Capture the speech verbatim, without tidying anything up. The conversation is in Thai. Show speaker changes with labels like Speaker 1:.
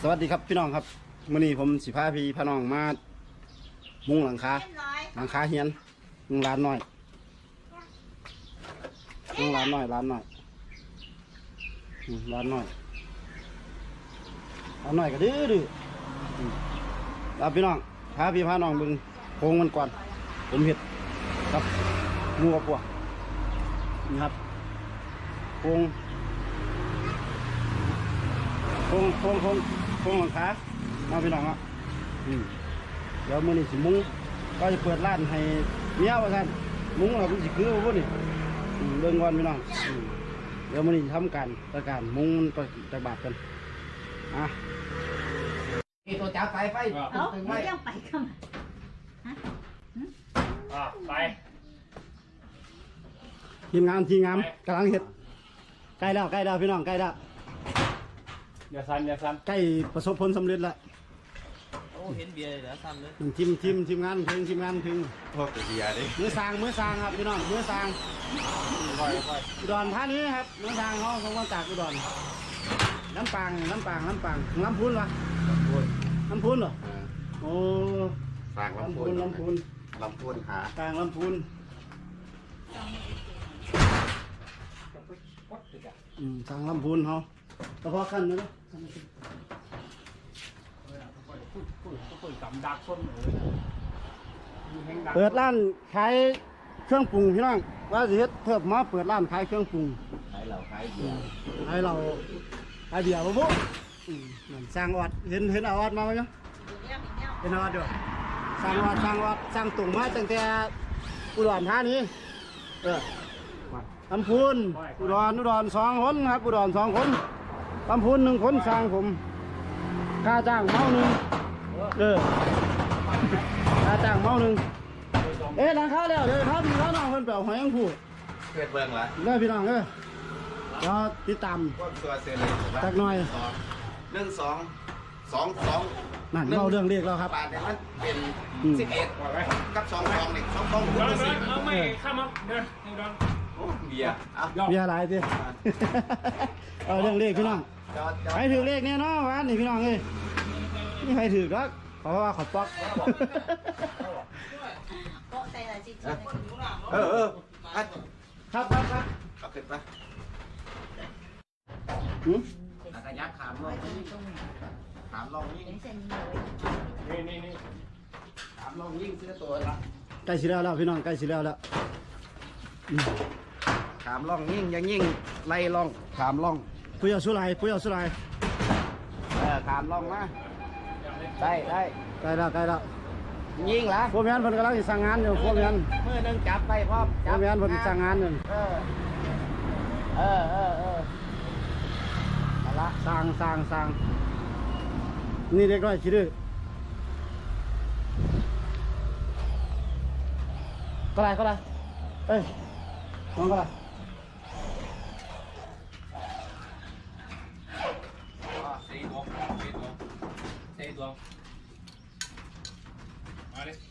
Speaker 1: สวัสดีครับพี่น้องครับมื้อนี้ผมสิพาพี่พาน้องมามุงหลังคาหลังคาเฮียนมุงร้านน้อยมุงร้านน้อยร้านน้อยอืมร้านน้อยร้านน้อยก็ดื้อดื้ออืมแล้วพี่น้องพาพี่พาน้องเบิ่งโครงมันก่อนผมเห็ดครับงูกับปัวนี่ครับโครงโครงโครงโครงโครงหลังคามาพี่น้องอ่ะอืมเดี๋ยวมื้อนี้สิมุงก็จะเปิดร้านให้เมียว่าซั่นมุงเราเป็นสิคือบ่พุ่นนี่อืมเบิ่งก่อนพี่น้องอืมเดี๋ยวมื้อนี้ทำการประการมุงไปจักบาทกันอ่ะนี่ตัวจับไฟไฟ
Speaker 2: เอ้าไม่ยังไปเข้ามาฮะ
Speaker 3: อ่ะไป
Speaker 1: ทีมงานทีมงานกำลังเฮ็ดใกล้แล้วใกล้แล้วพี่น้องใกล้แล้ว
Speaker 3: อย่าสั่นอย่าสั่น
Speaker 1: ใกล้ประสบผลสำเร็จแล้ว
Speaker 4: โอ้เห็นเบียร์เลยแล้วซ้ำเลย
Speaker 1: ทีมทีมทีมงานถึงทีมงานถึง
Speaker 4: พวกเบียร์ดิ
Speaker 1: มือสร้างมือสร้างครับพี่น้องมือสร้าง
Speaker 3: ค่อยค่อย
Speaker 1: อุดรธานีครับมือสร้างเขาเขามาจากอุดรน้ำปางน้ำปางน้ำปางน้ำพุนวะน้ำพุนเหรอโอ้
Speaker 4: สร้างลำ
Speaker 1: ลำ
Speaker 4: พู
Speaker 1: พู
Speaker 4: น
Speaker 1: นลำพูน
Speaker 4: ลำพูนหา
Speaker 1: ปางลำพูนอืมสร้างลำพูนเขาเฉพาะขั้นนะ
Speaker 3: ค่อยกำดักต้นเลย
Speaker 1: เปิดร้านขายเครื่องปรุงพี่น้องว่าสิเฮ็ดเทิบมาเปิดร้านขายเครื่องปรุง
Speaker 4: ขายเหล้าขายเบียร์
Speaker 1: ให้เราให้เบียร์บ่ปุ๊อืมนั่นสร้างออดเห็นเห็นเอาออดมาไหมเนาะเห็นเอาออดเด้อสร้างออดสร้างออดสร้างตุ่งมาตั้งแต่อุดรธานีเออลำพูนอุดรอุดรสองคนครับอุดรสองคนลำพูนหนึ่งคนสร้างผมค่าจ้างเมาหนึ่งเออค่าจ้างเมาหนึ่งเอ๊ะหลังคาแล้วเดี๋ยวพาพี่พาน้องเพิ่นไปเอาหอยอังผู้
Speaker 4: เพื่อนเบิ่งละ
Speaker 1: เด้อพี่น้องเด้อเดี๋ยวติดตาม
Speaker 4: พวกตัวเซเลย
Speaker 1: จักหน่อย
Speaker 4: หนึ่งสองสองสอง
Speaker 1: นั่นเล่าเรื่องเรียกแล้วครับ
Speaker 4: บาทเนี่ยมันเป็น
Speaker 1: อืม
Speaker 4: สิบเอ็ดกับสองสองนี่สองสอง
Speaker 3: เดิ
Speaker 4: คูณ
Speaker 3: นเดิ
Speaker 4: สี่
Speaker 3: นเอาไม่ข้ามมาเดินเดิน
Speaker 4: โอ้เบียร์เอา
Speaker 1: มีอะไรสิ เอาเรื่องเลขพี่น้อง
Speaker 4: จอดจอ
Speaker 1: ใคร
Speaker 4: ด
Speaker 1: ถือเลขเนี่ยเนาะวานนี่พี่น้องเอ้ยนี่ใครถือดักเพราะว่าเขาป๊อก
Speaker 2: โปะใส่ละจิ๊ด
Speaker 4: เออเอออ่ะ
Speaker 1: ครับครับครับ
Speaker 4: เอาขึ้นไป
Speaker 1: หืม
Speaker 4: อาขยักขามลงขามลงยิ่ง
Speaker 2: เป็นเส้นเลย
Speaker 3: นี่นี่นี่
Speaker 4: ขามลงยิ่งซื้อตัวละ
Speaker 1: ใกล้สิแล้วแล้วพี่น้องใกล้สิแล้วแล้วอืม
Speaker 4: ขามล่องยิ่งยังยิ่งไล่ล่องขามล่อง
Speaker 1: ปุ้ยเอาสุไลปุ้ยเอาสุไล
Speaker 4: เออขามล่องมาได้ได้
Speaker 1: ใกล้แล้วใกล้แล้ว
Speaker 4: ยิ่งละ
Speaker 1: พวกแม่นเพิ่นกำลังสิสั่งงานอยู่พวกแม่น
Speaker 4: มือหนึงจับไปพร้อม
Speaker 1: พวกแม่นเพิ่นสั่งงานอยู่
Speaker 4: เออเออเออเออเอาละ
Speaker 1: สั่งสั่งสั่งนี่เด็กน้อยขี้ดื้อก็ได้ก็ได้เอ้ยน้องก็ได้
Speaker 4: อ๋อสี่ตัวสี่ตัว
Speaker 3: สี่ตัวมาดิ